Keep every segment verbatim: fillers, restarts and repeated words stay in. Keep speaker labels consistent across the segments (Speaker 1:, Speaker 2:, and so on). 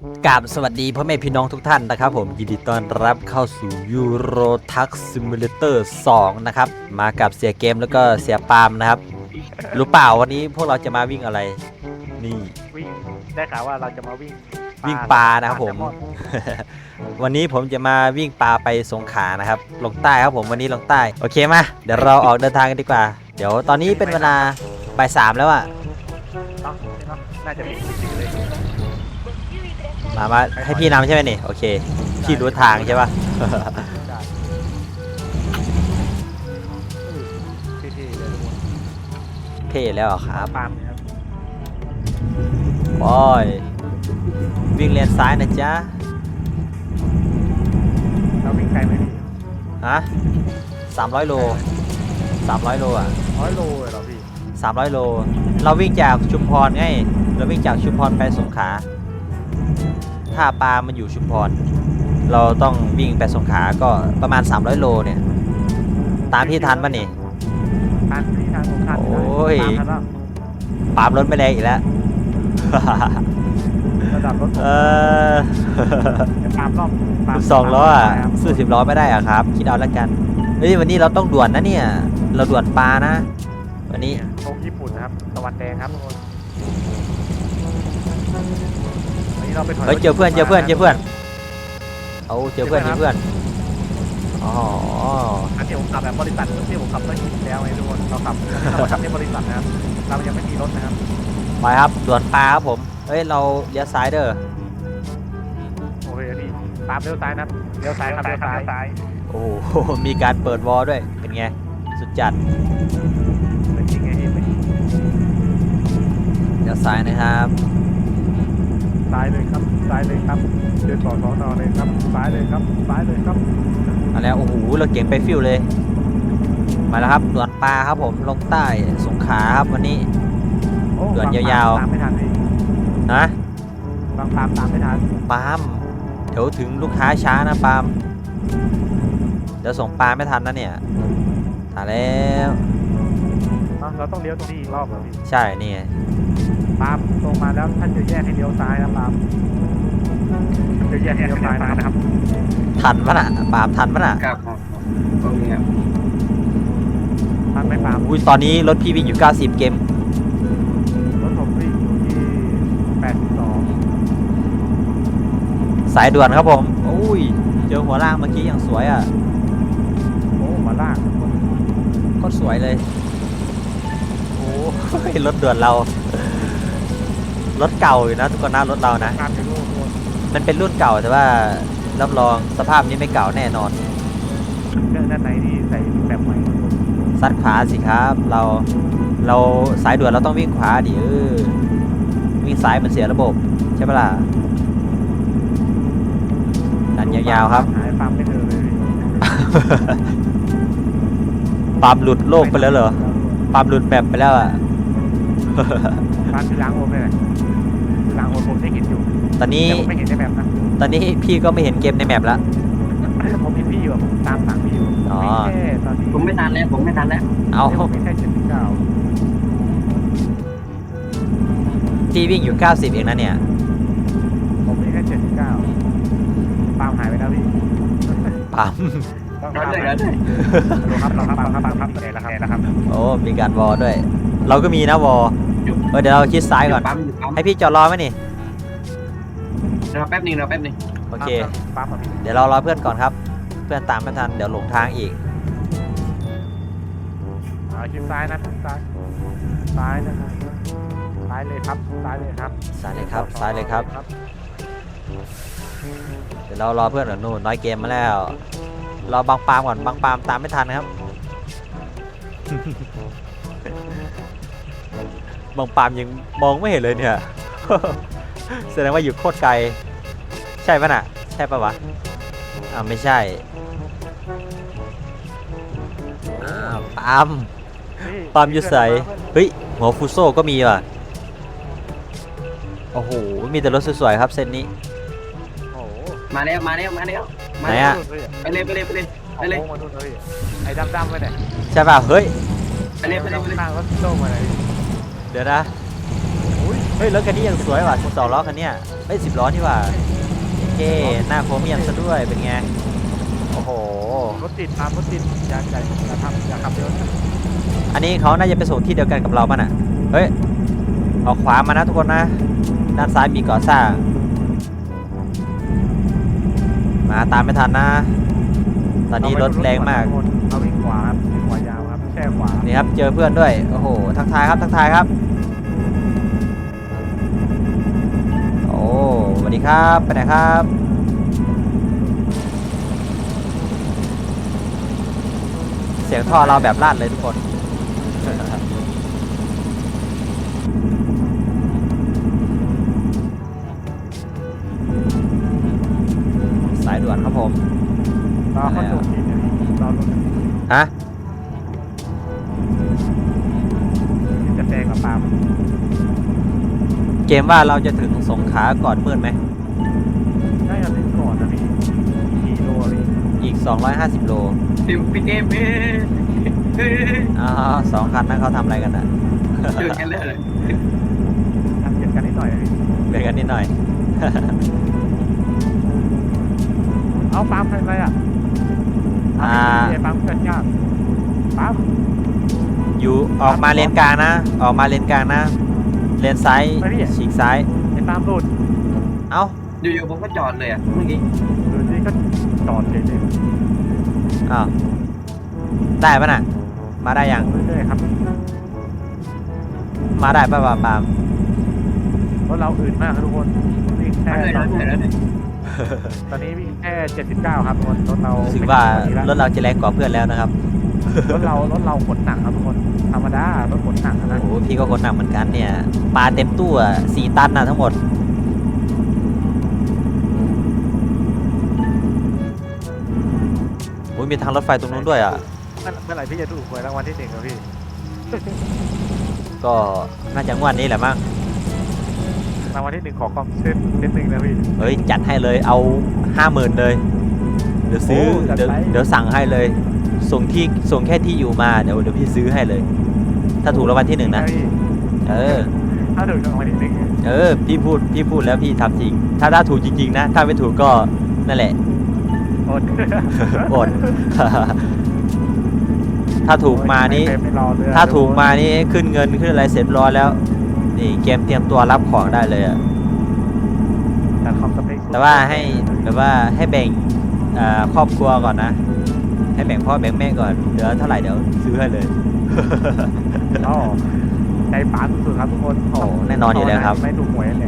Speaker 1: กราบสวัสดีพ่อแม่พี่น้องทุกท่านนะครับผมยินดีต้อนรับเข้าสู่ยูโรทักซิมูเลเตอร์สองนะครับมากับเสียเกมแล้วก็เสียปาล์มนะครับรู้เปล่าวันนี้พวกเราจะมาวิ่งอะไรนี่
Speaker 2: วิ่งได้ข่าวว่าเราจะมาวิ่ง
Speaker 1: วิ่งปลานะครับผม วันนี้ผมจะมาวิ่งปลาไปสงขลานะครับลงใต้ครับผมวันนี้ลงใต้โอเคมาเดี๋ยวเราออกเดินทางกันดีกว่าเดี๋ยวตอนนี้เป็นเวลาบ่ายสามแล้วอะ
Speaker 2: เนาะเนาะน่าจะมีจริงๆเลย
Speaker 1: มามาให้พี่นำใช่ไหมนี่โอเคพี่รู้ทางใช่ปะเท่แล้วครับ
Speaker 2: ปาล์มครับ
Speaker 1: โอ้ยวิ่งเลนซ้ายนะจ๊ะ
Speaker 2: เราวิ่งไกลไหมพี่
Speaker 1: ฮะสามร้อยโลสามร้อยโลอ่ะ
Speaker 2: ร้อยโลเลยเหรอพี่
Speaker 1: สามร้อยโลเราวิ่งจากชุมพรไงเราวิ่งจากชุมพรไปสงขลาท่าปลามันอยู่ชุมพรเราต้องวิ่งไปสงขลาก็ประมาณสามร้อยโลเนี่ยตามที่ทันป่ะนี่
Speaker 2: ทันพี่ทันผมทัน
Speaker 1: โอ้ย
Speaker 2: ตามทันแล้ว
Speaker 1: ปาล์มรถไม่แรงอีกแล้ว
Speaker 2: ระดับรถ
Speaker 1: เออ
Speaker 2: ปาล์มรอบ
Speaker 1: สองล้ออ่ะสู้สิบล้อไม่ได้อ่ะครับคิดเอาแล้วกันเฮ้ยวันนี้เราต้องด่วนนะเนี่ยเราด่วนปลานะวันนี้
Speaker 2: ธงญี่ปุ่นนะครับตะวันแดงครับทุกคนวันนี้เราไปถอย
Speaker 1: เฮ้ยเจอเพื่อนเจอเพื่อนเจอเพื่อนเอาเจอเพื่อนเจอเพื่อนอ๋อ
Speaker 2: อันที่ผมขับแบบบริษัทที่ผมขับเมื่อกี้แล้วไงทุกคนเราขับเราขับในบริษัทนะครับเรายังไม่มีรถนะครับ
Speaker 1: ไปครับด่วนปลาครับผมเฮ้ยเราเลี้ยวซ้ายเด้อ
Speaker 2: โอเคพี่ตามเลี้ยวซ้ายนะเลี้ยวซ้ายครับเลี้ยวซ้าย
Speaker 1: โอ้โหมีการเปิดวอลด้วยเป็นไงสุดจัด
Speaker 2: เป็นจริงไงพี่
Speaker 1: เลี้ยวซ้ายนะครับ
Speaker 2: ซ้ายเลยครับซ้ายเลยครับเดินต่อสอนอเลยครับซ้ายเลยครับซ้ายเลยครับ
Speaker 1: มาแล้วโอ้โหเราเก่งไปฟิวเลยมาแล้วครับด่วนปลาครับผมลงใต้สงขลาครับวันนี้ด่วนยาว
Speaker 2: ๆตามไม่ทันพี่
Speaker 1: นะ
Speaker 2: บางปามตามไม่ทัน
Speaker 1: ปาล์มเดี๋ยวถึงลูกค้าช้านะปาล์มเดี๋ยวส่งปลาไม่ทันนะเนี่ยตายแล้ว
Speaker 2: เราต้องเลี้ยวตรงนี้อีกรอบเหรอพี่
Speaker 1: ใช่นี่
Speaker 2: ปามตรงมาแล้วท่านจะแยกให้เลี้ยวซ้ายนะปามจะแยกให้เลี้ยวซ้ายนะครับ
Speaker 1: ทันปะน่ะปาล์มทันปะน่ะ
Speaker 3: ครับตรงนี้ครับ
Speaker 2: ทันไหมปาม
Speaker 1: อุ้ยตอนนี้รถพี่วิ่งอยู่เก้าสิบเกม
Speaker 2: รถผมวิ่งอยู่ที่แปดสิบสอง
Speaker 1: สายด่วนครับผมอุ้ยเจอหัวล่างเมื่อกี้อย่างสวยอ่ะ
Speaker 2: โอ้หัวล่าง
Speaker 1: ก็สวยเลยโอ้ยรถด่วนเรารถเก่าอยู่นะทุกคนนะรถเรานะมันเป็นรุ่นเก่าแต่ว่ารับรองสภาพนี้ไม่เก่าแน่นอน
Speaker 2: เรื่องด้านในที่ใส่แบบใหม่
Speaker 1: ซัดขวาสิครับเราเราสายด่วนเราต้องวิ่งขวาดิเออวิ่งซ้ายมันเสียระบบใช่ปะล่ะดันยาวๆครับ
Speaker 2: หายปั๊มไม่เจอเลย
Speaker 1: ปั๊มหลุดโลกไปแล้วเหรอปั๊มหลุดแบบไปแล้วอ่ะ
Speaker 2: ปั๊มที่ล้างโอมเลยล้างโอมผมได้เห็นอยู่
Speaker 1: ตอนนี้
Speaker 2: ไม่เห็นในแมปนะ
Speaker 1: ตอนนี้พี่ก็ไม่เห็นเกมในแมปแล้ว
Speaker 2: ผมเห็นพี่อยู่ผมตามสั่งพี่อยู่
Speaker 1: อ๋อ
Speaker 2: ตอนนี้
Speaker 3: ผมไม่ทันแล้วผมไม่ทันแล้ว
Speaker 1: เอา
Speaker 2: ไม่ใช่เจ็ดสิบเก้า
Speaker 1: ที่วิ่งอยู่เก้าสิบเองนะเนี่ย
Speaker 2: ผมไม่ใช่เจ็ดสิบเก้าปามหายไปแล้วพี่
Speaker 1: ปั๊ม
Speaker 2: ต้องทำเลยครับเราครับเราครับเราครับเราครับแล้วครับ
Speaker 1: โอ้มีการวอลด้วยเราก็มีนะวอลเออเดี๋ยวเราคิดซ้ายก่อนให้พี่จอดรอไหมนี่
Speaker 3: รอแป๊บนึงรอแป๊บนึง
Speaker 1: โอเคเดี๋ยวเรารอเพื่อนก่อนครับเพื่อนตามไม่ทันเดี๋ยวหลงทางอีก
Speaker 2: คิดซ้ายนะซ้ายซ้ายนะครับซ้ายเลยครับซ้ายเลยครับ
Speaker 1: ซ้ายเลยครับซ้ายเลยครับเดี๋ยวเรารอเพื่อนก่อนนู่นน้อยเกมมาแล้วรอบางปามก่อนบางปามตามไม่ทันครับบางปามยังมองไม่เห็นเลยเนี่ยแสดงว่าอยู่โคตรไกลใช่ปะน่ะใช่ปะวะอ่าไม่ใช่อ่าปามปามอยู่ใส่เฮ้ยหัวฟูโซ่ก็มีว่ะโอ้โหมีแต่รถสวยๆครับเส้นนี้
Speaker 3: มาแล้วมาแล้วมาแล้ว
Speaker 1: ไหนอะ
Speaker 3: ไปเลยไปเลยไปเลยไปเลย
Speaker 2: ไอ้ดำๆไปไหน
Speaker 1: ใช่ป่ะเฮ้ย
Speaker 3: ไปเลยไปเลยไปเลย
Speaker 2: ข้างรถโซ่มาไหน
Speaker 1: เดี๋ยวนะ
Speaker 2: อุ้ย
Speaker 1: เฮ้ยรถคันนี้ยังสวยว่ะสิบสองล้อคันเนี้ยเฮ้ยสิบล้อนี่ว่ะโอเคหน้าโครเมียมซะด้วยเป็นไงโอ้โห
Speaker 2: รถติดตามรถติดอย่าอย่าอย่าทำอย่าขับเร็วนะ
Speaker 1: อันนี้เขาน่าจะไปส่งที่เดียวกันกับเราป่ะน่ะเฮ้ยออกขวามานะทุกคนนะด้านซ้ายมีก่อสร้างมาตามไม่ทันนะตอนนี้รถแรงมาก
Speaker 2: เราวิ่งขวาครับวิ่งขวายาวครับแช่ขวา
Speaker 1: นี่ครับเจอเพื่อนด้วยโอ้โหทักทายครับทักทายครับโอ้สวัสดีครับไปไหนครับเสียงท่อเราแบบลั่นเลยทุกคน สายด่วนครับผม
Speaker 2: เราเข้าจุดที่เนี่ยเราลง
Speaker 1: ฮะ
Speaker 2: จะแซงกับปาล์ม
Speaker 1: เกมว่าเราจะถึงสงขลาก่อนมืดไหม
Speaker 2: น่าจะถึงก่อนนะพี่กี่โลเลย
Speaker 1: อีก สองร้อยห้าสิบ โล
Speaker 3: พี่พี่เกมเอ้ยเอ้ย
Speaker 1: อ๋อสองคันนั้นเขาทำอะไรกันอ่ะ
Speaker 3: เจอกันเลย
Speaker 2: ทำเกียรกันนิดหน่อยพี่
Speaker 1: เบียดกันนิดหน่อย
Speaker 2: เอาปาล์มทำอะไรอ่ะ
Speaker 1: อ่า
Speaker 2: ไอ้ปาล์มเกิดยากปาล์ม
Speaker 1: อยู่ออกมาเลนกลางนะ ออกมาเลนกลางนะ เลนซ้ายฉีกซ้าย
Speaker 2: ไอ้ปาล์มหลุด
Speaker 1: เอ้า
Speaker 3: อยู่ๆผมก็จอดเลยอ่ะเมื่อกี้
Speaker 2: ดูสิก็จอดเฉยเลย
Speaker 1: อ้าวได้ปะน่ะ มาได้ยัง
Speaker 2: เรื่อยๆครับ
Speaker 1: มาได้ปะปาปาม
Speaker 2: รถเราอื่นมากครับทุกคนวิ่งแค่
Speaker 3: มาเลย
Speaker 2: ตอ
Speaker 3: นะ
Speaker 2: น
Speaker 3: เลยนะ
Speaker 2: ตอนนี้วิ่งแค่เจ็ดสิบเก้าครับทุกคนรถเรา
Speaker 1: รู้สึกว่ารถเราจะแรงกว่าเพื่อนแล้วนะครับ
Speaker 2: รถเรารถเราขนหนักครับทุกคนธรรมดารถขนหนักนะ
Speaker 1: โอ้โหพี่ก็คนหนักเหมือนกันเนี่ย ปลาเต็มตู้อ่ะสี่ตันนะทั้งหมด โอ้ยมีทางรถไฟตรงนู้นด้วยอ่ะ
Speaker 2: เมื่อเมื่อไหร่พี่จะถูกหวยรางวัลที่หนึ่งครับพี่
Speaker 1: ก็น่าจะงวดนี้แหละมั้ง
Speaker 2: รางวัลที่หนึ่งขอความเส้นนิดหนึ่งนะพี่
Speaker 1: เฮ้ยจัดให้เลยเอาห้าหมื่นเลย เดี๋ยวซื้อ
Speaker 2: โอ้จัด
Speaker 1: เดี๋ยว
Speaker 2: ไป
Speaker 1: เดี๋ยวสั่งให้เลย ส่งที่ส่งแค่ที่อยู่มาเดี๋ยวเดี๋ยวพี่ซื้อให้เลย ถ้าถูกรางวัลที่หนึ่งนะ
Speaker 2: พี่
Speaker 1: เออ
Speaker 2: ถ้าถูกรางวัลที่หนึ่ง
Speaker 1: เออ พี่พูดพี่พูดแล้วพี่ทำจริง ถ้าถ้าถูกจริงๆนะ ถ้าไม่ถูกก็นั่นแหละ
Speaker 2: อด
Speaker 1: อด ถ้าถูกมานี้
Speaker 2: ไม่รอเลย
Speaker 1: ถ้าถูกมานี่ขึ้นเงินขึ้นอะไรเสร็จร้อยแล้ว นี่เกมเตรียมตัวรับของได้เลยอะ
Speaker 2: แต่ความสเปค
Speaker 1: แต่ว่าให้แบบว่าให้แบ่งอ่าครอบครัวก่อนนะ ให้แบ่งพ่อแบ่งแม่ก่อนเหลือเท่าไหร่เดี๋ยวซื้อให้เลย
Speaker 2: อ๋อใจป๋าสุดๆครับทุกคน
Speaker 1: โอ้แน่นอนอยู่แล้วครับ
Speaker 2: ไม่ถูกหวยเลย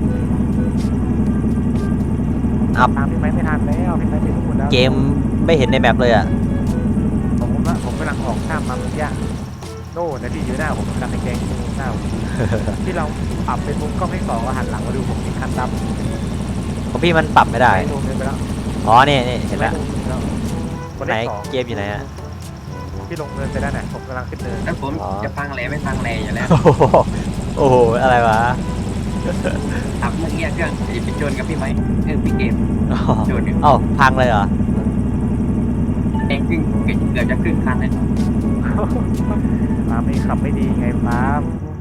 Speaker 1: อัพ
Speaker 2: ตามพี่ไม้ไม่ทันแล้วพี่ไม้ไม่ถูกแล้ว
Speaker 1: เกมไม่เห็นในแมปเลยอ่ะ
Speaker 2: ผมผมละผมกำลังออกข้ามมาเมื่อกี้โน่นะพี่อยู่หน้าผมกำลังไปแกงหน้าผม ที่เราปรับเป็นมุมกล้องให้สองแล้วหันหลังมาดูผมมีคันดำ
Speaker 1: ของพี่มันปรับไม่ได้
Speaker 2: ไม่ลงเงินไปแล้ว
Speaker 1: อ๋อนี่นี่เห็นแล้ว
Speaker 2: ไม่ลงเงินไปแล้วคน
Speaker 1: ไหน
Speaker 2: ที่สอง
Speaker 1: เกมอยู่ไหนอ่ะ
Speaker 2: ที่ลงเงินไปแล้วน่ะผมกำลังขึ้นเนิน
Speaker 3: แล้วผมจะฟังแหล่ไม่ฟังแหล่อยู่แล้ว
Speaker 1: โอ้โหโอ้โหอะไรวะ
Speaker 3: ขับเมื่อกี้เครื่องจะไปชนกับพี่ไหมเครื่องพี่เกม
Speaker 1: อ๋อ
Speaker 3: ชนอยู่
Speaker 1: เอ้าพังเลยเหรอ
Speaker 3: เองครึ่งเกือบจะครึ่งคันเลย
Speaker 2: ป้าไม่ขับไม่ดีไงป้า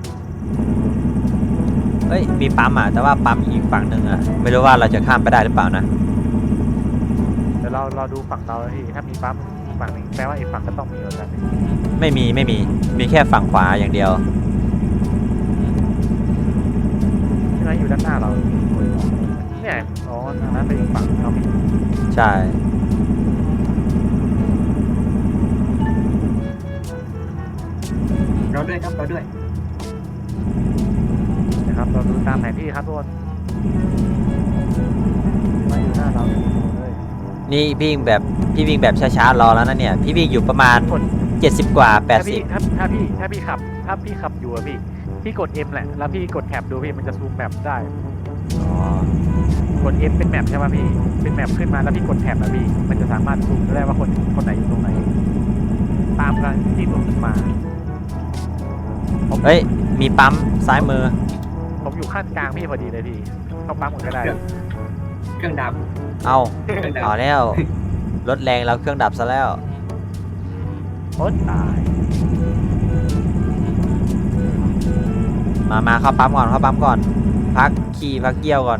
Speaker 1: เฮ้ยมีปั๊มอ่ะแต่ว่าปั๊มอีกฝั่งหนึ่งอ่ะไม่รู้ว่าเราจะข้ามไปได้หรือเปล่านะ
Speaker 2: เดี๋ยวเราเราดูฝั่งเราแล้วพี่ถ้ามีปั๊มอีกฝั่งหนึงแปลว่าอีกฝั่งก็ต้องมีเหมือนกัน
Speaker 1: ไม่มีไม่มีมีแค่ฝั่งขวาอย่างเดียว
Speaker 2: ใช่ไหมอยู่ด้านหน้าเราเนี่ยอ๋อทางนั้นไปอีกฝั่งเรามี
Speaker 1: ใช่
Speaker 3: เราด้วยครับเราด้วย
Speaker 2: นะครับเราดูตามแผนที่ครับทุกคนมาอยู่หน้าเราเลย
Speaker 1: นี่พี่วิ่งแบบพี่วิ่งแบบช้าๆรอแล้วนะเนี่ยพี่วิ่งอยู่ประมาณ
Speaker 2: กด
Speaker 1: เจ็ดสิบกว่า
Speaker 2: ถ้าพี่
Speaker 1: แปดสิบ
Speaker 2: ถ้าถ้าพี่ถ้าพี่ขับ ถ้าพี่ขับอยู่อะพี่พี่กด M แหละแล้วพี่กดแท็บดูพี่มันจะซูมแมปได้
Speaker 1: อ๋อก
Speaker 2: ด M เป็นแมปใช่ไหมพี่เป็นแมปขึ้นมาแล้วพี่กดแท็บอะพี่มันจะสามารถซูมได้ว่าคนคนไหนอยู่ตรงไหนตามกันที่ผมมาผม
Speaker 1: เฮ้ยมีปั๊มซ้ายมือ
Speaker 2: ผมอยู่ขั้นกลางพี่พอดีเลยพี่เข้าปั๊มหมดก็ได้
Speaker 3: เครื่องดับ
Speaker 1: เอา
Speaker 3: เครื่องดับ
Speaker 1: เอาแล้วรถแรงแล้วเครื่องดับซะแล้ว
Speaker 2: โอ๊ยตาย
Speaker 1: มามาเข้าปั๊มก่อนเข้าปั๊มก่อน พักขี่พักเยี่ยวก่อน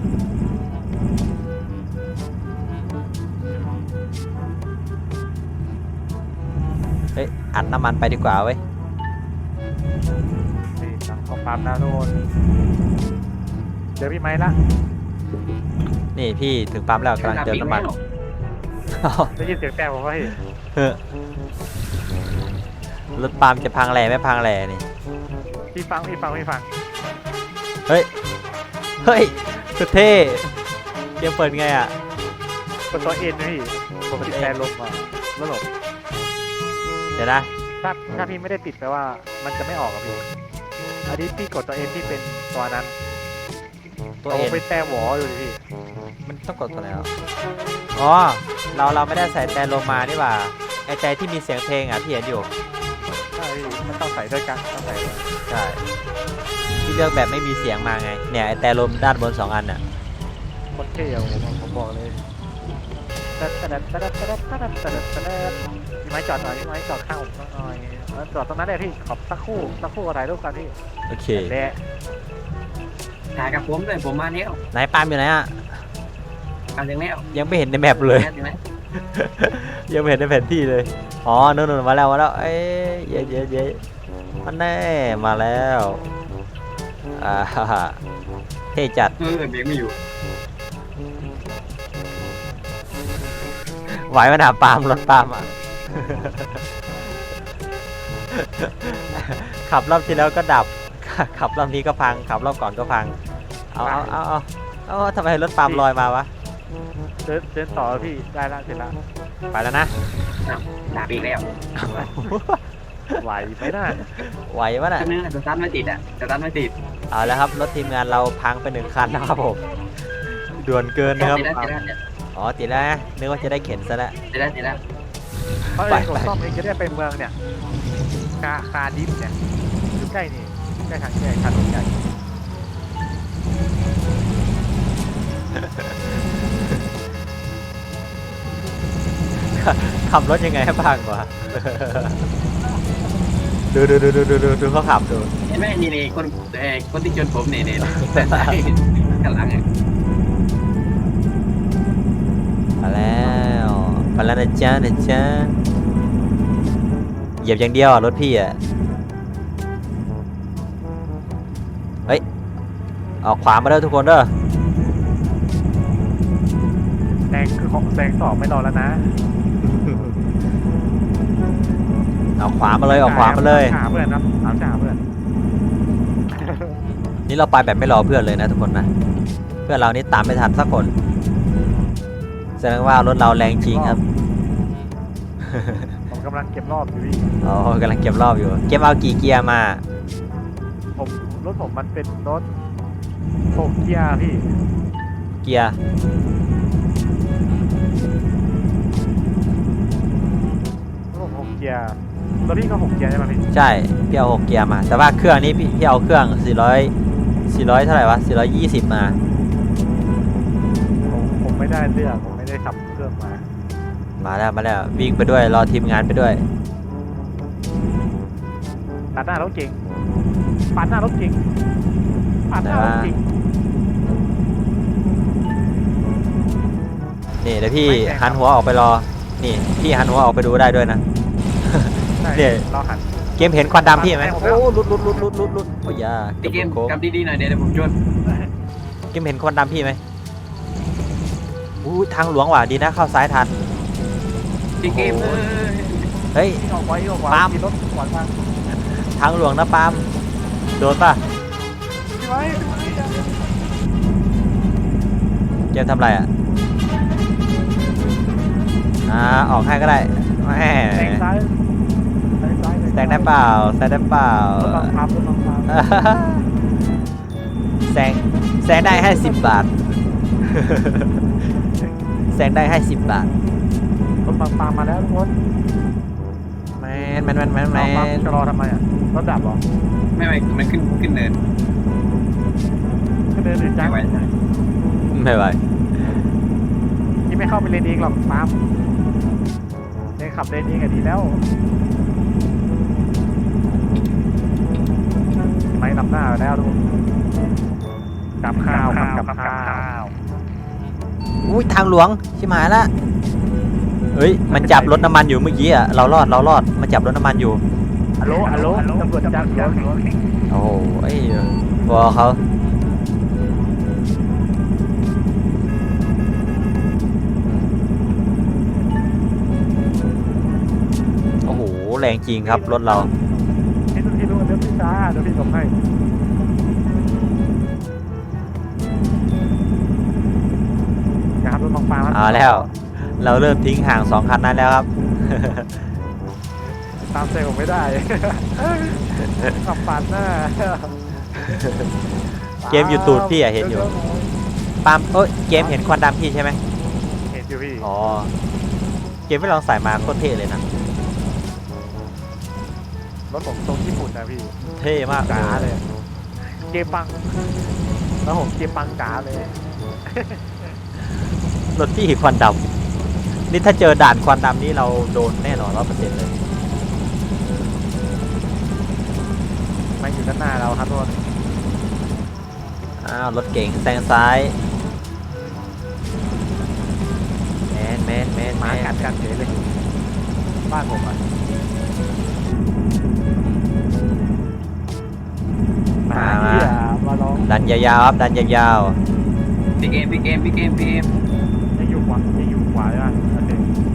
Speaker 1: เฮ้ยอัดน้ำมันไปดีกว่าเว้ย
Speaker 2: นี่สั่งของปั๊มนะทุกคนเจอพี่ไม้ละ
Speaker 1: นี่พี่ถึงปั๊มแล้วกำลังเติมน้ำมัน
Speaker 2: ได้ยินเสียงแต่ผมว่าเฮ้ย
Speaker 1: เฮ้ยรถปั๊มจะพังแหล่ไม่พังแหล่นี่
Speaker 2: พี่ฟังพี่ฟังพี่ฟัง
Speaker 1: เฮ้ย เฮ้ยสุดเท่เกมเปิดไงอ่ะ
Speaker 2: กดตัวเอ็นนะพี่ผมติดแต่ลมอ่ะแล้วหลบ
Speaker 1: เดี๋ยวนะ
Speaker 2: ถ้าถ้าพี่ไม่ได้ติดแปลว่ามันจะไม่ออกอะพี่อันนี้พี่กดตัวเอ็นที่เป็นตัวนั้น
Speaker 1: ตัวเอ็น
Speaker 2: าเป็นแต่หวออยู่ดิพี่
Speaker 1: มันต้องกดตัวไหนอ่ะอ๋อ เราเราไม่ได้ใส่แต่ลมมานี่หว่า ไอแต่ที่มีเสียงเพลงอ่ะพี่เห็นอยู่
Speaker 2: ใช่พี่มันต้องใส่ด้วยกันต้องใส่ด้วย
Speaker 1: ใช่ที่เลือกแบบไม่มีเสียงมาไง เนี่ยไอแต่ลมด้านบนสองอันอ่ะ
Speaker 2: โคตรเท่อะผมผมบอกเลยตัดตัดตัดตัดตัดตัดตัดตัดพี่ไม้จอดหน่อยพี่ไม้จอดข้างผมหน่อยแล้วจอดตรงนั้นเลยพี่ขอบสักครู่สักครู่อะไรรูปกันพี่
Speaker 1: โอเค
Speaker 2: แดะ
Speaker 3: ถ่ายกับผมด้วยผมมาแล้ว
Speaker 1: ไหนปาล์มอยู่ไหนอ่ะ
Speaker 3: เอาถึงแล้ว
Speaker 1: ยังไม่เห็นในแมปเลย
Speaker 3: ถึงแล้ว
Speaker 1: ยังไม่เห็นในแผนที่เลย อ๋อนู่นๆมาแล้วมาแล้ว เอ้ยเย้เย้เย้มันแน่มาแล้วอ่าฮ่าฮ่าเท่จัด
Speaker 3: เออเบรกไม่อยู่
Speaker 1: ไหวไหมนะปาล์มรถปาล์มอ่ะ ขับรอบที่แล้วก็ดับ ขับรอบนี้ก็พัง ขับรอบก่อนก็พัง เอาเอาเอาเอาเอาทำไมรถปาล์มลอยมาวะ
Speaker 2: เดินเดินต่อพี่ได้ละเสร็จละ
Speaker 1: ไปแล้วนะ
Speaker 3: อ้าวด่าอีกแล้ว
Speaker 2: ไหวไหมน่ะ
Speaker 1: ไหววะน่ะ
Speaker 3: แป๊บนึงนะสตาร์ทไม่ติดอ่ะสตาร์ทไม่ติด
Speaker 1: เอาแล้วครับรถทีมงานเราพังไปหนึ่งคันนะครับผม ด่วนเกินนะครับ
Speaker 3: ติดแล้วติดแล้ว
Speaker 1: อ๋อติดแล้วนะนึกว่าจะได้เข็นซะแล้ว
Speaker 3: ติดแล้วติดแล้ว
Speaker 2: เพราะ
Speaker 1: ไป
Speaker 2: เองกด
Speaker 1: ไป
Speaker 2: ซ่อมเองจะได้ไปเมืองเนี่ยคาคาดิฟเนี่ยอยู่ใกล้นี่ใกล้ทางแยกถนนใหญ่
Speaker 1: ขับรถยังไงให้พังวะ ดูดูดูดูดูดูดูเขาขับดู
Speaker 3: เห็นไหมนี่นี่คนเออคนที่ชนผมเนี่ยเนี่ยข้างหลังอ่ะ
Speaker 1: มาแล้วมาแล้วนะจ๊ะนะจ๊ะเหยียบอย่างเดียวอ่ะรถพี่อ่ะเฮ้ยออกขวามาเด้อทุกคนเด้อ
Speaker 2: แซงคือของแซงสองไม่รอแล้วนะ
Speaker 1: ออกขวามาเลยออกขวามาเลย
Speaker 2: หาเพื่อนครับเอาจ่าเพื่อน
Speaker 1: นี่เราไปแบบไม่รอเพื่อนเลยนะทุกคนนะเพื่อนเรานี่ตามไม่ทันสักคนแสดงว่ารถเราแรงจริงครับ
Speaker 2: ผมกำลังเก็บรอบอยู่พี่
Speaker 1: อ๋อกำลังเก็บรอบอยู่เก็บเอากี่เกียร์มา
Speaker 2: ผมรถผมมันเป็นรถหกเกียร์พี่
Speaker 1: เกียร์
Speaker 2: รถผมหกเกียร์รถพี่ก็หกเกียร์ใช่ไหมพี่
Speaker 1: ใช่พี่เอาหกเกียร์มา แต่ว่าเครื่องนี้พี่พี่เอาเครื่องสี่ร้อย สี่ร้อยเท่าไหร่วะสี่ร้อยยี่สิบมา
Speaker 2: ผมผมไม่ได้เลือกผมไม่ได้ขับเครื่องมา
Speaker 1: มาแล้วมาแล้ววิ่งไปด้วยรอทีมงานไปด้วย
Speaker 2: ตัดหน้ารถเก่งปัดหน้ารถเก่งปัดหน้ารถเก่ง
Speaker 1: นี่เดี๋ยวพี่
Speaker 2: ไม่แข่งครับ
Speaker 1: หันหัวออกไปรอ นี่พี่หันหัวออกไปดูได้ด้วยนะ
Speaker 2: ใช่
Speaker 1: เนี่ย
Speaker 2: เราหัน
Speaker 1: เกมเห็นควันดำพี่ไหม
Speaker 2: ไปผมแล้ว
Speaker 1: โอ้ลุดลุดลุดลุดลุดลุดโอ้ยยา
Speaker 3: พี่เกม
Speaker 1: โค้ง
Speaker 3: กลับดีๆหน่อยเดี๋ยวผมชน
Speaker 1: เกมเห็นควันดำพี่ไหมอู้ทางหลวงว่ะดีนะเข้าซ้ายทัน
Speaker 3: พี่เกมเออ
Speaker 1: เฮ้ย
Speaker 2: ออกไว้ออกไว้
Speaker 1: ปาล์ม
Speaker 2: มีรถขวางทาง
Speaker 1: ทางหลวงนะปาล์มโดนป่ะ
Speaker 2: พี่ไว้พี่ไว้อย่า
Speaker 1: เกมทำอะไรอ่ะอ่าออกให้ก็ได้แหม
Speaker 2: แซงซ้ายแซงซ้าย
Speaker 1: แซงได้เปล่าแซงได้เปล่าร
Speaker 2: ถบังคับรถบังคับ
Speaker 1: แซงแซงได้ให้สิบบาท แซงได้ให้สิบบาท
Speaker 2: รถบังคับมาแล้วทุกคน
Speaker 1: แมนแมนแมนแมนแม
Speaker 2: เอาปั๊ม
Speaker 1: น
Speaker 2: จะรอทำไมอ่ะรถดับเหรอ
Speaker 3: ไม่ไม่มันขึ้นขึ้นเนิน
Speaker 2: ก็เดินอื่นจั
Speaker 3: ไม่
Speaker 2: ง
Speaker 3: ไหว
Speaker 1: ไม่ไหว
Speaker 2: ที่ไม่เข้าไปเลนเองหรอกปั๊มเลนขับเลนเองอะดีแล้วไม่นำหน้าแล้วทุกคนกับข้าวครับกับข้าว
Speaker 1: อุ้ยทางหลวงชิบหายละเฮ้ยมันจับรถน้ำมันอยู่เมื่อกี้อ่ะเรารอดเรารอดมันจับรถน้ำมันอยู่
Speaker 2: ฮัลโหลฮัลโหลตำรวจจับหลวง
Speaker 1: โอ้โหไอ้วอเขาโอ้โหแรงจริงครับรถเรา
Speaker 2: พี่ดูพี่ดูเดี๋ยวพี่ช้าเดี๋ยวพี่ส่งให้นะครับรถบางปลา
Speaker 1: เอาแล้ว เราเริ่มทิ้งห่างสองคันนั้นแล้วครับ
Speaker 2: ตามใจผมไม่ได้ ขับปาดหน้า
Speaker 1: เกมอยู่ตูดพี่อะเห็นอยู่ ปาล์มเอ้ยเกมเห็นควันดำพี่ใช่ไหม
Speaker 2: เห็นอยู่พี่
Speaker 1: อ๋อเกมไม่ลองใส่มาโคตรเท่เลยนะ
Speaker 2: รถผมทรงญี่ปุ่นนะพี่
Speaker 1: เท่มาก
Speaker 2: จ๋าเลย เกมปังแล้วผมเกมปังจ๋าเลย
Speaker 1: รถพี่ควันดำนี่ถ้าเจอด่านควันดำนี่เราโดนแน่นอนร้อยเปอร์เซ็นต์เลย
Speaker 2: ไม่อยู่ด้านหน้าเราครับทุกคน
Speaker 1: อ้าวรถเก๋งแซงซ้ายแมนแมนแมน
Speaker 2: ห
Speaker 1: แม
Speaker 2: มาน กัดกันเฉยเลยบ้านผมอ่ะ
Speaker 1: มามา
Speaker 2: เหี้ยมาลอง
Speaker 1: ดันยาวๆครับดันยาว
Speaker 3: พี่เกมพี่เกมพี่เกมพี่เกม
Speaker 2: ยังอยู่ขวายังอยู่ขวาใช่ไหมโอเค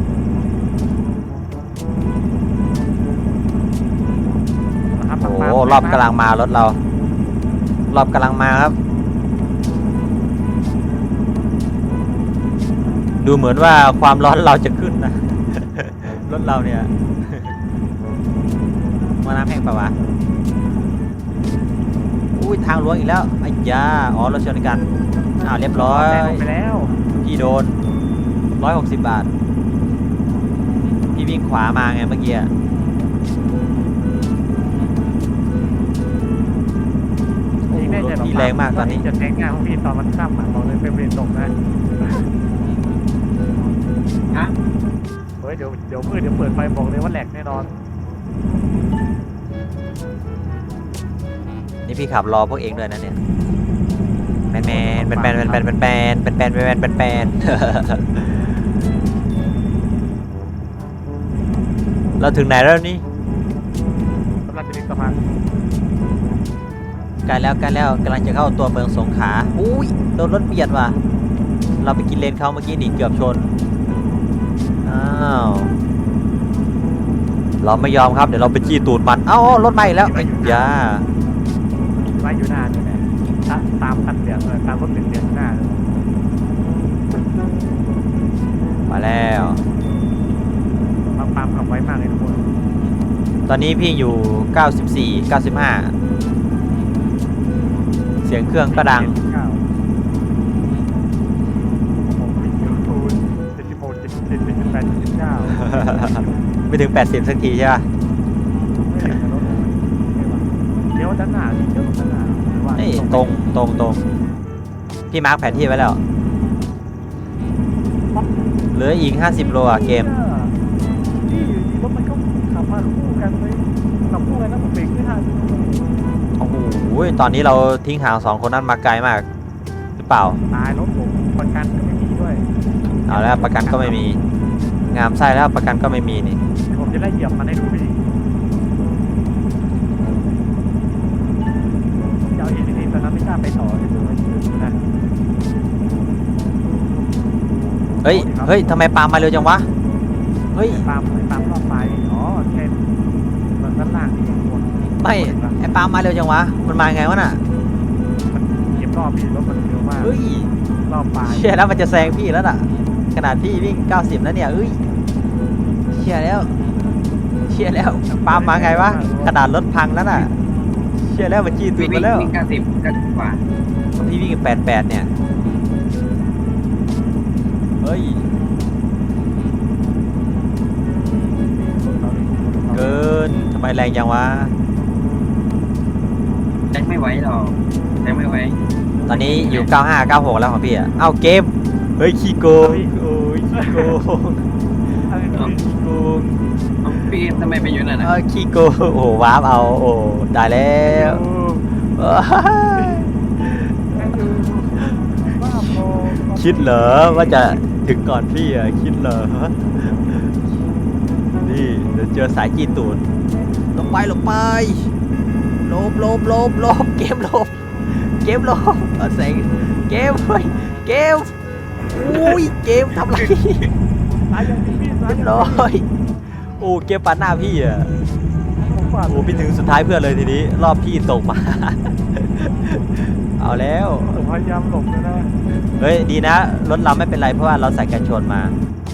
Speaker 2: นะครับ
Speaker 1: ๆโอ้โห
Speaker 2: มาร
Speaker 1: อบกำลังมารถเรา รอบกำลังมาครับ ดูเหมือนว่าความร้อนเราจะขึ้นนะ รถเราเนี่ย มาน้ำแห้งปะวะอุ้ยทางหลวงอีกแล้วไอ้ยาอ๋อเราชนกันอ้าวเรียบร้อย
Speaker 2: แซงไปแล้ว
Speaker 1: พี่โดนร้อยหกสิบบาท พี่วิ่งขวามาไงเมื่อกี้อะ
Speaker 2: ยิงได้ใจหรอ
Speaker 1: พี่แรงมากตอนนี้
Speaker 2: จะแทงง่ายของพี่ตอนมันข้ามอ่ะบอกเลยเป็นเวรตกนะ
Speaker 3: ฮะ
Speaker 2: เฮ้ยเดี๋ยวเดี๋ยวมืดเดี๋ยวเปิดไฟบอกเลยว่าแหลกแน่นอน
Speaker 1: นี่พี่ขับรอพวกเองด้วยนะเนี่ยแมนแมนแมนแมนแมนแมนแมนแมนแมนแมนแมนแมนแมนเราถึงไหนแล้วนี่
Speaker 2: กำลังจะมีสะพาน
Speaker 1: ใกล้แล้วใกล้แล้วกำลังจะเข้าตัวเมืองสงขลาอุ้ยโดนรถเบียดว่ะเราไปกินเลนเขาเมื่อกี้หนีเกือบชนอ้าวเราไม่ยอมครับเดี๋ยวเราไปจี้ตูดมันเอ้ารถมาอีกแล้วไอ้ยา
Speaker 2: ไว้อยู่หน้าเลยเนี่ยตาตามคันเหลืองเลยตามรถเหลืองเหลืองหน้าเลย
Speaker 1: มาแล้ว
Speaker 2: ปามปามขับไว้มากเลยทุกคน
Speaker 1: ตอนนี้พี่อยู่เก้าสิบสี่ เก้าสิบห้าเสียงเครื่องก็ดัง
Speaker 2: เก้าผมวิ่งอยู่คูณเจ็ดสิบหกเจ็ดสิบเจ็ดเจ็ดสิบแปดเจ็ดสิบเก้า
Speaker 1: ไม่ถึงแปดสิบสักทีใช่ป่ะ
Speaker 2: ไม่เห็นรถเลยเดี๋ยวด้านหน้าดิเดี๋ยวด้านหน้าหรือว่า
Speaker 1: นี่ตรงตรงตรงพี่มาร์คแผนที่ไว้แล้วเหลืออีกห้าสิบโลอะเกม
Speaker 2: นี่อยู่ดีรถมันก็ขับมาคู่กันเลยขับคู่กันแล้วผมเบรกไม่ทัน
Speaker 1: โอ้โหตอนนี้เราทิ้งห่างสองคนนั้นมาไกลมากหรือเปล่า
Speaker 2: ตายรถผมประกันก็ไม่มีด้วย
Speaker 1: เอาแล้วประกันก็ไม่มี งามไส้แล้วประกันก็ไม่มีนี่
Speaker 2: ผมจะได้เหยียบมันให้ดูพี่เจ้าเอ็นดีตอนนั้นไม่กล้าไปต่อที่ดูนะ
Speaker 1: เฮ้ยเฮ้ยทำไมปาล์มมาเร็วจังวะเฮ้ย
Speaker 2: ตามตามรอบไฟอ๋อแค่มันด้านล่างนี่หมด
Speaker 1: ไม่ไอ้ปาล์มมาเร็วจังวะมันมาไงวะน่ะ
Speaker 2: มันเก็บรอบพี่รถมันเร็วมาก
Speaker 1: เฮ้ย
Speaker 2: รอบปลาย
Speaker 1: เชี่ยแล้วมันจะแซงพี่แล้วน่ะขนาดพี่วิ่งเก้าสิบแล้วเนี่ยเอ้ยเชี่ยแล้วเชี่ยแล้วปาล์มมาไงวะขนาดรถพังแล้วน่ะเชี่ยแล้วมันจี้ตู
Speaker 3: วิ่
Speaker 1: ด
Speaker 3: ง
Speaker 1: มาแล้ว
Speaker 3: วิ่งเก้าสิบเก้าสิบกว่า
Speaker 1: พี่วิ่งแปดแปดเนี่ยเฮ้ยเกินทำไมแรงจังวะ
Speaker 3: แจ็คไม่ไหวหรอกแจ็คไม่ไหว
Speaker 1: ตอนนี้อยู่เก้าห้า เก้าหกแล้วของพี่อะเอ้าเกมเฮ้ยขี้โกงโอ้ยขี้โกง
Speaker 2: อะไรนะพี่
Speaker 1: ขี้โกง
Speaker 3: เอ้าพี่เกมทำไมไปอยู่นั่น
Speaker 1: เอ
Speaker 3: น่ะ
Speaker 1: อขี้โกงโอ้โหวาร์ปเอาโอ้ได้แล้ว
Speaker 2: ผ
Speaker 1: เอ้ย
Speaker 2: แม่ดูบ้าพอ
Speaker 1: คิดเหรอว่าจะถึงก่อนพี่อ่ะคิดเหรอนี่เดี๋ยวเจอสายจีตูดลงไปลงไปลบลบลบลบเกมลบเกมลบเอาแสงเกมเฮ้ยเกมอุ้ยเกมทำไร
Speaker 2: สายยังพี่สาย
Speaker 1: เรียบร้อยโอ้เกมปาดหน้าพี่อ่ะ
Speaker 2: ผมว่า
Speaker 1: โอ้พี่ถึงสุดท้ายเพื่อนเลยทีนี้รอบพี่ตกมา เอาแล้ว
Speaker 2: ผมพยายามหลบเลยนะ
Speaker 1: เฮ้ยดีนะรถเราไม่เป็นไรเพราะว่าเราใส่กันชนมา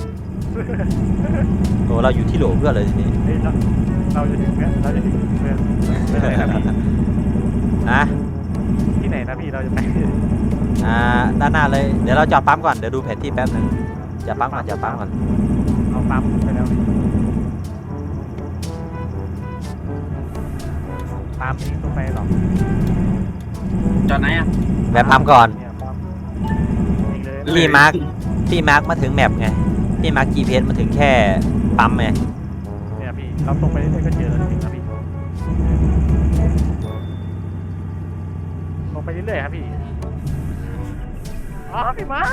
Speaker 1: โอ้เราอยู่ที่โหลเพื่อนเลยทีนี้
Speaker 2: เฮ้ยเราเราจะถึงเนี่ยเราจะถึงเมืองเมืองไหนนะพี่
Speaker 1: นะ
Speaker 2: ที่ไหนนะพี่เราจะไป
Speaker 1: อ่าด้านหน้าเลยเดี๋ยวเราจอดปั๊มก่อนเดี๋ยวดูแผนที่แป๊บหนึงจอดปั๊มก่อนจอดปั๊มก่อน
Speaker 2: เอาปั๊มไปแล้วพี่ปั๊มนี้ต้องไปหรอก
Speaker 3: จอดไหนอ่ะ
Speaker 1: แวะปั๊มก่อน
Speaker 2: เนี่ยปั๊มอีกเลย
Speaker 1: พี่มาร์คพี่มาร์คมาถึงแมปไงพี่มาร์ค จี พี เอส มาถึงแค่ปั๊มไง
Speaker 2: เนี่ยพี่เราตรงไปเรื่อยๆก็เจอแล้วถึงแล้วพี่ตรงไปเรื่อยๆครับพี่อ๋อพี่ไม้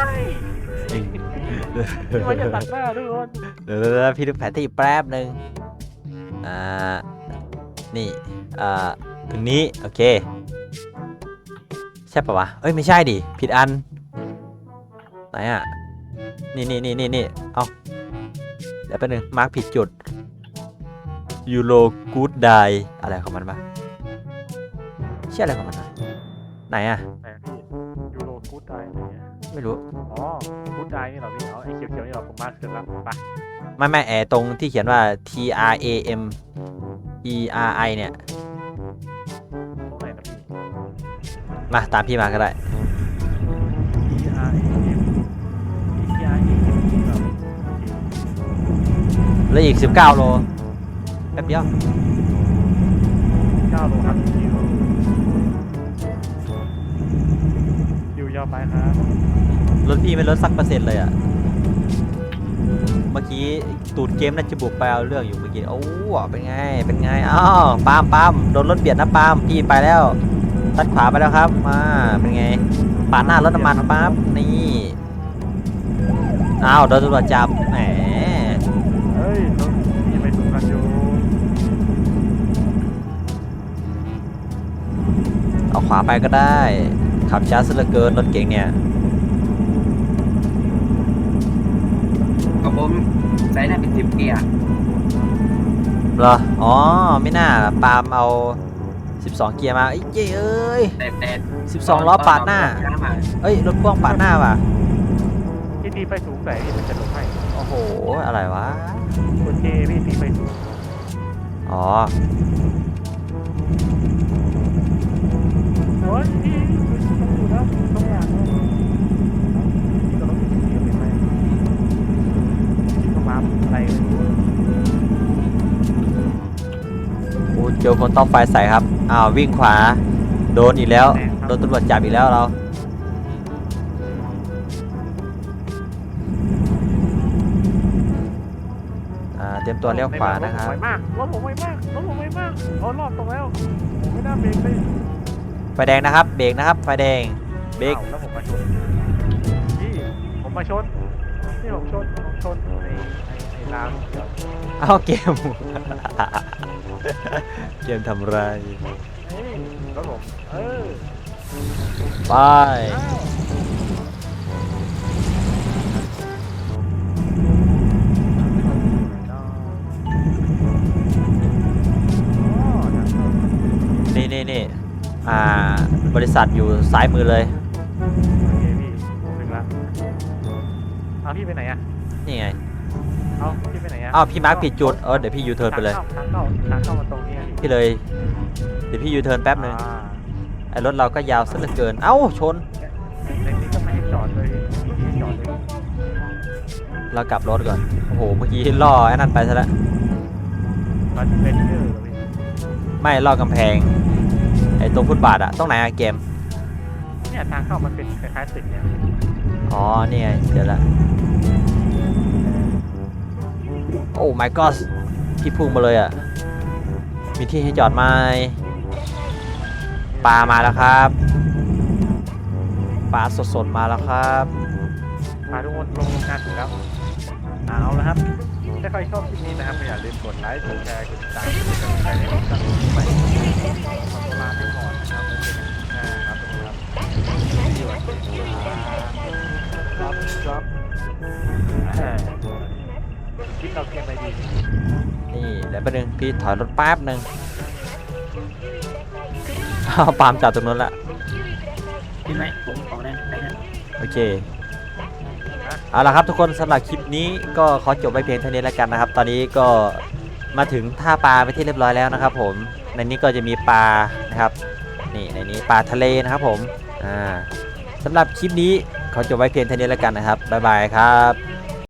Speaker 2: พี่ไม้จะตัดหน้าทุกคน
Speaker 1: เดี๋ยวเดี๋ยวเดี๋ยวพี่ดูแผนที่แป๊บหนึ่งอ่านี่อ่าถึงนี้โอเคใช่ปะวะเอ้ยไม่ใช่ดิผิดอันไหนอ่ะนี่นี่นี่นี่นี่เอาเดี๋ยวแป๊บหนึงมาร์คผิดจุดยูโรกูดไดอะไรของมันปะใช่อะไรของมันวะไหนอ่ะ
Speaker 2: ไหนพี่ยูโรกู๊ดไดอะไรเงี้ย
Speaker 1: ไม่รู้
Speaker 2: อ๋อกู๊ดไดนี่เหราพี่เอาไอ้เขียวๆนี่เราผมมาร์คเสร็จแล้วไป
Speaker 1: ไม่ไม่แอตรงที่เขียนว่า T R A M E R I เนี่ย
Speaker 2: ตรงไหนนะพี่
Speaker 1: มาตามพี่มาก็ได้
Speaker 2: T R A M T R A M นี่เหรา
Speaker 1: แล้วอีกสิบเก้าโลแป๊บเดียว
Speaker 2: เก้าโลครับคิวคิวยาวไปครับ
Speaker 1: รถพี่ไม่ลดสักเปอร์เซ็นต์เลยอ่ะ เมื่อกี้ตูดเกมน่าจะบุกไปเอาเรื่องอยู่เมื่อกี้ โอ้เป็นไง เป็นไง อ้าวปาล์มปาล์มโดนรถเบียดนะปาล์มพี่ไปแล้ว ตัดขวาไปแล้วครับ มา เป็นไง ปาดหน้ารถน้ำมันปั๊บ นี่ อ้าวโดนตำรวจจับ แหม
Speaker 2: เฮ้ยรถพี่ไปถูกกันอยู่
Speaker 1: เอาขวาไปก็ได้ ขับช้าซะเหลือเกินรถเก๋งเนี่ย
Speaker 3: กับผมใส่ได้เป็นสิบเกียร์
Speaker 1: เหรอ อ๋อ ไม่น่าปาล์มเอา สิบสอง เกียร์มาเอ้ยเย้เอ้ย
Speaker 3: แต่แต่
Speaker 1: สิบสอง ล้อปาดหน้า เอ้ย รถพ่วงปาดหน้าว่ะ
Speaker 2: ที่ตีไฟสูงไหนพี่มันจะลงให้
Speaker 1: โอ้โห อะไรวะ
Speaker 2: กดเจพี่ตีไฟสูง
Speaker 1: อ๋อ
Speaker 2: โอ้ยพี่ต้องอยู่แล้วต้องอย่างนั้นพี่ก็ต้องอยู่ที่นี่เป็นไหมพี่ก็มาอะไรไม่รู้
Speaker 1: โอ้เจอคนต้องไฟใส่ครับ อ้าว วิ่งขวา โดนอีกแล้ว โดนตำรวจจับอีกแล้วเรา อ่า เตรียมตัวเลี้ยวขวานะครับ
Speaker 2: ไวมากรถผมไวมากรถผมไวมากเอารอบตรงแล้วผมไม่น่าเบรกเลย
Speaker 1: ไฟแดงนะครับ เบรกนะครับ ไฟแดง เบรก
Speaker 2: อ้าวแล้วผมมาชนพี่ผมมาชนนี่ผมชนผมชนไอ้ไอ้ไอ้รางเดี๋ยว
Speaker 1: เอาเกม เกมทำไร
Speaker 2: เฮ้ยรถผมเออ
Speaker 1: ไป
Speaker 2: อ้าวอ๋อทางเข้า
Speaker 1: นี่นี่นี่อ่า บริษัทอยู่ซ้ายมือเลย
Speaker 2: โอเคพี่ผมถึงละเอาพี่ไปไหนอะ
Speaker 1: นี่ไง
Speaker 2: เอาพี่ไปไหนอะ
Speaker 1: อ้าว พี่มาร์คผิดจุด เออ เดี๋ยวพี่ยูเทิร์นไปเลย
Speaker 2: ทางเข้าทางเข้าทางเข้ามาตรงนี้อะพี่
Speaker 1: พี่เลย เดี๋ยวพี่ยูเทิร์นแป๊บหนึ่ง
Speaker 2: อ่า
Speaker 1: ไอ้รถเราก็ยาวซะเหลือเกิน เอ้า ชน
Speaker 2: ในนี้ก็ไม่ให้จอดเลยมีที่ให้จอดเลย
Speaker 1: เรากลับรถก่อน โอ้โห เมื่อกี้ล่อไอ้นั่นไปซะแล้ว
Speaker 2: มันเป็นเยอะเลย
Speaker 1: ไม่ล่อกำแพง ไอ้ตรงฟุตบาทอะตรงไหนอะเกม
Speaker 2: เนี่ยทางเข้ามันเป็นคล้ายๆตึกเนี่ย
Speaker 1: อ๋อ นี่ไง เดี๋ยวละ โอ้ my god พี่พุ่งมาเลยอะมีที่ให้จอดไหม
Speaker 2: น
Speaker 1: ปลามาแล้วครับปลาสดๆมาแล้วครับ
Speaker 2: พาทุกคนลงโรงงานถูกแล้วเอาละครับถ้าใครชอบคลิปนี้นะครับอย่าลืมกดไลค์กดแชร์กดติดตามกดกำลังใจให้ผมสร้างคลิปใหม่ขอตัวลาไปก่อนนะครับแล้วเจอกันคลิปหน้าครับทุกคนครับสวัสดีครับครับคลิปเราเกมไปดี
Speaker 1: นี่เดี๋ยวแป๊บนึงพี่ถอยรถแป๊บนึงเอาปาล์มจากตรงนู้นละ
Speaker 3: พี่ไม้ผมออกได้ได้นะ
Speaker 1: โอเคเอาละครับทุกคนสำหรับคลิปนี้ก็ขอจบไว้เพียงเท่านี้แล้วกันนะครับ ตอนนี้ก็มาถึงท่าปลาไปที่เรียบร้อยแล้วนะครับผมในนี้ก็จะมีปลานะครับนี่ในนี้ปลาทะเลนะครับผมอ่าสำหรับคลิปนี้ขอจบไว้เพียงเท่านี้แล้วกันนะครับบ๊ายบายครับ